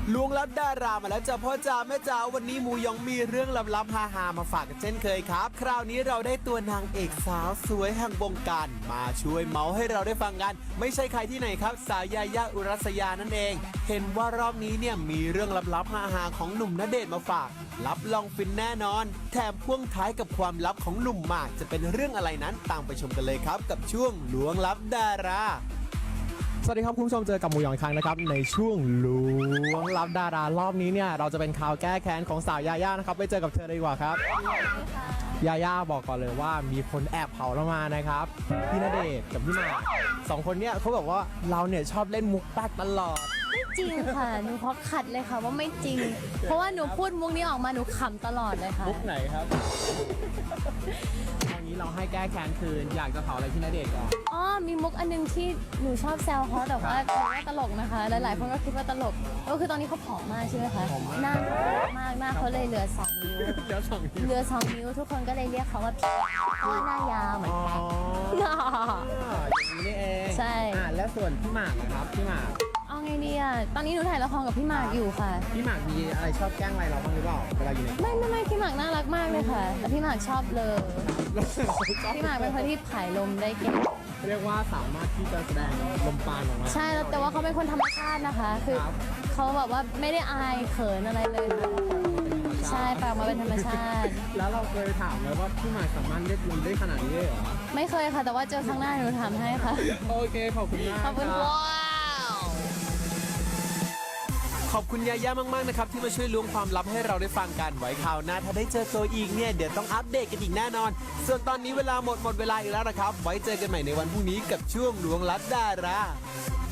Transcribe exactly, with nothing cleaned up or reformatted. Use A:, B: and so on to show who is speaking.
A: ล้วงลับดารามาแล้วจ้าพ่อจ๋าแม่จ๋าวันนี้หมูยองมีเรื่องลับๆฮาๆมาฝากกันเช่นเคยครับคราวนี้เราได้ตัวนางเอกสาวสวยแห่งวงการมาช่วยเมาส์ให้เราได้ฟังกันไม่ใช่ใครที่ไหนครับสาวยายาอุรัสยานั่นเองเห็นว่ารอบนี้เนี่ยมีเรื่องลับๆฮาๆของหนุ่มณเดชน์มาฝากรับรองฟินแน่นอนแถมพ่วงท้ายกับความลับของหนุ่มหมากจะเป็นเรื่องอะไรนั้นตามไปชมกันเลยครับกับช่วงล้วงลับดาราสวัสดีครับคุณผู้ชมเจอกับหมูหยองอีกครั้งนะครับในช่วงล้วงลับดารารอบนี้เนี่ยเราจะเป็นข่าวแก้แค้นของสาวยาย่านะครับไปเจอกับเธอเลยดีกว่าครับยาย่าบอกก่อนเลยว่ามีคนแอบเผาเรามานะครับพี่ณเดชน์กับพี่หมากสองคนเนี่ยเขาบอกว่าเราเนี่ยชอบเล่นมุกแป๊กตลอด
B: ไม่จริงค่ะหนูขอขัดเลยค่ะว่าไม่จริง เพราะว่าหนูพูดมุกนี้ออกมาหนูขำตลอดเลยค่ะ
A: มุกไหนครับตอนนี้เราให้แก้แค้นคืนอยากจะเผาอะไรพี่ณเดชน์ก่อน
B: อ๋อมีมุกอันนึงที่หนูชอบแซวเขาแต่ว่าหนูว่าตลกนะคะหลายๆคนก็คิดว่าตลกก็คือตอนนี้เขาผอมมากใช่ไหมคะหน้าเขามากหน้าเขาเลยเหลือสองนิ้ว
A: เหลือสองนิ้ว
B: เหลือสองนิ้วทุกคนก็เลยเรียกเขาว่าพี่เพราะว่าหน้ายาวเหมือนกัน
A: อย่างนี้นี่เอง
B: ใช่
A: อ่าแล้วส่วนพี่หมากนะครับพี่หมาก
B: เอาไงดีอ่ะตอนนี้หนูถ่ายละครกับพี่หมากอยู่ค่ะ
A: พี่หมากมีอะไรชอบแกล้งอะไรเราบ้างหรือเปล่าเวลาอยู่ใน
B: ไม่ไม่ไม่พี่หมากน่ารักมากเลยค่ะแต่พี่หมากชอบเลยพี่หมากเป็นคนที่ผายลมได้เก่ง
A: เรียกว่าสามารถที่จะแสดงลมปราณออกมา
B: ใช่แต่ว่าเขาเป็นคนธรรมชาตินะคะคือเขาแบบว่าไม่ได้อายเขินอะไรเลยใช่ปากมาเป็นธรรมชาติ
A: แล้วเราเคยถามเลยว่าพี่หมากสามารถเล่นลมได้ขนาดนี้เลยเหรอ
B: ไม่เคยค่ะแต่ว่าเจอครั้งหน้าหนูทำให้ค่ะ
A: โอเคขอบคุณมาก
B: ขอบคุณว้าว
A: ขอบคุณยาย่ามากๆนะครับที่มาช่วยล้วงความลับให้เราได้ฟังกันไว้คราวหน้าถ้าได้เจอตัวอีกเนี่ยเดี๋ยวต้องอัปเดตกันอีกแน่นอนส่วนตอนนี้เวลาหมดหมดเวลาอีกแล้วนะครับไว้เจอกันใหม่ในวันพรุ่งนี้กับช่วงล้วงลับดารา